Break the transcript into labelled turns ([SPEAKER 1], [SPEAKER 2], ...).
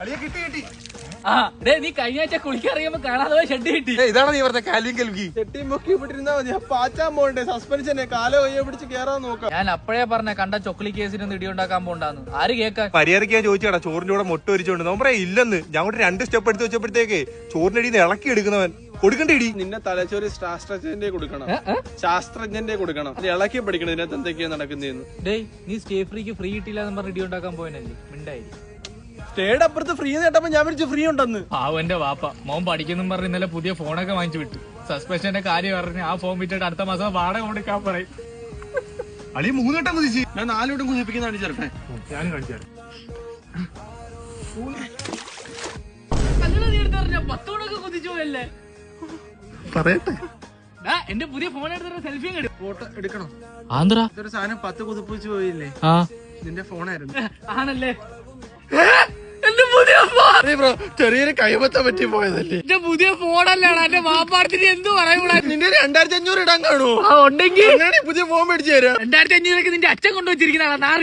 [SPEAKER 1] നീ കഴിഞ്ഞ ആഴ്ച കുളിക്കറിയുമ്പോ കാണാതെ ഷെഡ് കിട്ടി.
[SPEAKER 2] ഇതാണ് നീ പറഞ്ഞ കാലിയും കൽവി
[SPEAKER 3] ചെട്ടി മുക്കി വിട്ടിരുന്നാ മതി. പാച്ചാൻ പോണ്ടേ, സസ്പെൻഷനെ കാലോ കയ്യോ പിടിച്ച് കേറാൻ നോക്കാം.
[SPEAKER 1] ഞാൻ അപ്പഴേ പറഞ്ഞ കണ്ട ചൊക്ലി കേസിനൊന്നും ഇടിയുണ്ടാക്കാൻ പോണ്ടാന്ന്. ആര് കേൾക്കാൻ?
[SPEAKER 2] മര്യാദയ്ക്ക് ഞാൻ ചോദിച്ചാടാ ചോറിന്റെ കൂടെ മുട്ട ഒരിച്ചോണ്ട് നമ്മളെ ഇല്ലെന്ന് ഞാൻ കൂടെ 2 സ്റ്റെപ്പ് എടുത്ത് വെച്ചപ്പോഴത്തേക്ക് ചോറിന്റെ അടിയിൽ നിന്ന് ഇളക്കി എടുക്കുന്നവൻ കൊടുക്കണ്ടേ ഇടി.
[SPEAKER 3] നിന്നെ തലച്ചോറി ശാസ്ത്രജ്ഞന്റെ കൊടുക്കണം, ശാസ്ത്രജ്ഞന്റെ കൊടുക്കണം. ഇളക്കി പഠിക്കണം ഇതിനകത്ത് എന്തൊക്കെയാ നടക്കുന്നതെന്ന്.
[SPEAKER 1] ഡേയ് നീ സ്റ്റേ ഫ്രീക്ക് ഫ്രീ കിട്ടിയില്ലെന്ന് പറഞ്ഞ് ഇടിയുണ്ടാക്കാൻ പോയനല്ലേ, മിണ്ടായി.
[SPEAKER 3] സ്റ്റേഡ് അപ്പുറത്ത് ഫ്രീ നേട്ടപ്പോ ഞാൻ വിളിച്ചു ഫ്രീ ഉണ്ടെന്ന്.
[SPEAKER 1] പാവന്റെ വാപ്പ മോൻ പഠിക്കുന്നു പറഞ്ഞ് ഇന്നലെ പുതിയ ഫോണൊക്കെ വാങ്ങിച്ചു വിട്ടു. സസ്പെൻഷന്റെ കാര്യം പറഞ്ഞ് ആ ഫോൺ വിറ്റിട്ട് അടുത്ത മാസം വാടക കൊടുക്കാൻ പറയും.
[SPEAKER 2] അളി 3 വട്ടം കുതിച്ച്
[SPEAKER 3] ഞാൻ 4 വട്ടം കുതിപ്പിക്കുന്നതാണ് ചേർക്കണേ.
[SPEAKER 2] ഞാൻ കാണിച്ചു പറയട്ടെ.
[SPEAKER 1] എന്റെ പുതിയ ഫോൺ എടുത്തിട്ട് സെൽഫിയും
[SPEAKER 3] ഫോട്ടോ എടുക്കണം.
[SPEAKER 1] ആന്ധ്ര
[SPEAKER 3] ഇതൊരു സാധനം 10 കുതിപ്പിച്ച് പോയില്ലേ, നിന്റെ ഫോണായിരുന്നു.
[SPEAKER 1] ആണല്ലേ? എന്റെ പുതിയ ഫോൺ
[SPEAKER 3] ചെറിയൊരു കൈമത്തം പറ്റി പോയതല്ലേ.
[SPEAKER 1] എന്റെ പുതിയ ഫോണല്ലാണ്. എന്റെ വാപ്പാടത്തിന് എന്ത് പറയൂടാ.
[SPEAKER 3] നിന്റെ 2500 ഇടാൻ കാണുമോ?
[SPEAKER 1] ഉണ്ടെങ്കിൽ
[SPEAKER 3] പുതിയ ഫോൺ മേടിച്ചു തരാം.
[SPEAKER 1] 2500 നിന്റെ അച്ഛൻ കൊണ്ടുവച്ചിരിക്കുന്നതാണ്.